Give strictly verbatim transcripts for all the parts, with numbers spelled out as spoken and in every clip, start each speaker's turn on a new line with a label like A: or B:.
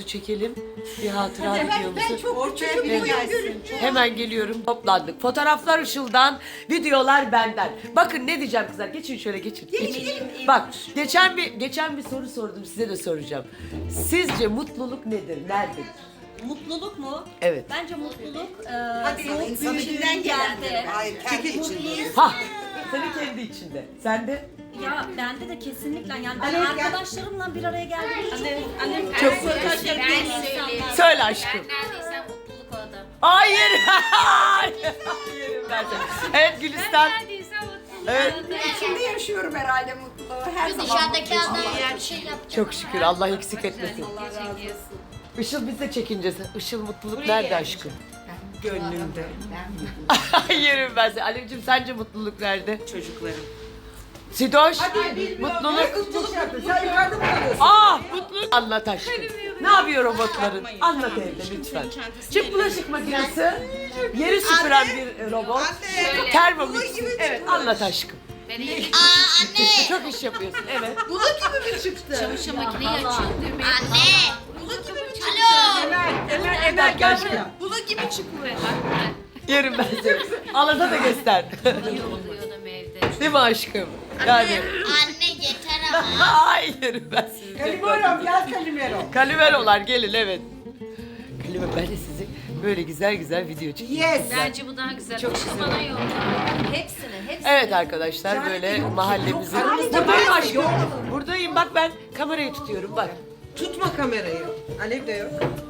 A: videomuzu çekelim. Bir hatıra videomuzu.
B: Ben çok
C: Ortaya
B: küçüğüm.
C: biri
B: boyum
C: gelsin.
B: görünce.
A: Hemen geliyorum. Toplandık. Fotoğraflar Işıl'dan, videolar benden. Bakın ne diyeceğim kızlar. Geçin şöyle geçin. geçin. Bak geçen bir geçen bir soru sordum, size de soracağım. Sizce mutluluk nedir? Nerededir?
D: Mutluluk mu?
A: Evet.
D: Bence mutluluk e,
C: Hadi
D: soğuk
C: insanın
D: büyüdüğün
C: içinden
D: yerde.
C: gelendir. Hayır, kendi içinde.
A: Ha, senin kendi içinde. Sen de?
D: Ya bende de kesinlikle yani ben
C: Anne, gel.
D: arkadaşlarım bir araya geldiğimde çok mutluyum.
A: Çok
D: Ben
A: mutluyum.
D: söyleyeyim.
A: Söyle aşkım.
E: Neredeyse mutluluk orada.
A: Hayır. Hayır. Hayır. Evet Gülistan.
E: Neredeyse mutluluk
A: Evet.
E: orada.
C: İçinde yaşıyorum herhalde mutluluğu. Her zaman
E: Dışarıdaki
C: mutluyum.
E: adam bir şey yapacak.
A: Çok şükür Allah eksik etmesin.
E: Video çekiyorsun.
A: Işıl biz de çekincesi. Işıl mutluluk nerede aşkım?
C: Gönlümde.
A: Yerim ben seni. Alevciğim sence mutluluk nerede?
C: Çocuklarım.
A: Sidoş,
C: Hadi
A: mutluluk.
C: mutluluk yapın. Sen yukarıda mı kalıyorsun?
A: Ah mutluluk. Anlat aşkım. Ne yapıyor robotların? Anlat evde lütfen. Çift bulaşık makinesi, yeri süpüren bir robot,
C: Anne.
A: termomix. Evet anlat aşkım.
E: Beni yedik.
A: Çok iş yapıyorsun evet.
C: Bulut gibi mi çıktı?
E: Çamaşır makineyi açıyor düğmeye.
F: Anne!
C: Bulut gibi mi çıktı?
F: Alo!
C: Emel, Emel,
A: Bir
C: Emel
A: dakika
C: gel
A: aşkım.
C: buraya. Bulut gibi çıkıyor.
A: Yerim ben seni. Alada da göster.
E: İyi oluyordum evde.
A: Değil mi aşkım? Yani.
F: Anne yeter ama.
A: Hayır ben sizi.
C: Kalimero gel Kalimero.
A: Kalimerolar gelin evet. Kalime ben de sizi böyle güzel güzel video çekeyim.
C: Yes.
E: Bence bu daha güzel.
A: Çok
E: Çok
A: güzel.
E: bana yolla.
D: Hepsini, hepsini.
A: Evet arkadaşlar böyle mahallemizin.
C: yok,
A: Buradayım
C: yok.
A: aşkım. Buradayım bak ben kamerayı tutuyorum bak.
C: Tutma kamerayı. Alev de yok.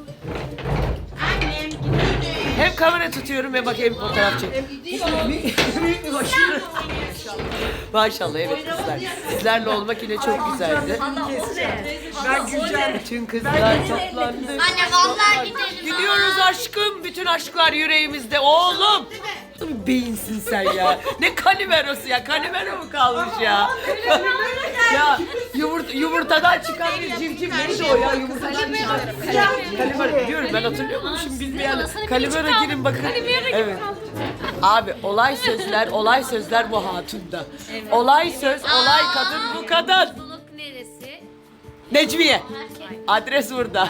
A: Hem kamera tutuyorum ve bak hem fotoğraf çekiyorum. Büyük bir başarı. Maşallah evet kızlar. Sizlerle olmak yine çok güzeldi.
C: Ben Gülcan.
A: Bütün kızlar toplandı.
F: Anne vallahi gidelim.
A: Gidiyoruz aşkım. Bütün aşklar yüreğimizde. Oğlum. Nasıl bir beyinsin sen ya. Ne kalimerosu ya. Kalimero mu kalmış ya? Ya yumurta, yumurtadan çıkan bir civciv neydi o ya? Yumurtadan çıkan. Kalimero diyorum ben hatırlıyor musun şimdi bilmeyen. Kalimero girin bakın. Evet. Abi olay sözler, olay sözler bu hatunda. Olay söz, olay kadın bu kadın.
E: Mutluluk neresi?
A: Necmiye. Adres burada.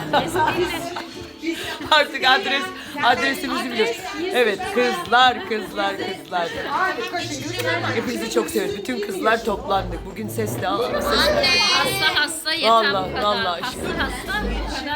A: Artık adres adresimizi biliyoruz. Evet kızlar kızlar kızlar.
C: Hadi koşun Gülcan.
A: Hepinizi çok seviyorum. Bütün kızlar toplandık. Bugün sesli alalım. Sesli.
E: Hasta hasta yeter
A: Vallahi,
E: bu kadar.
A: vallahi
E: hasta hasta bu kadar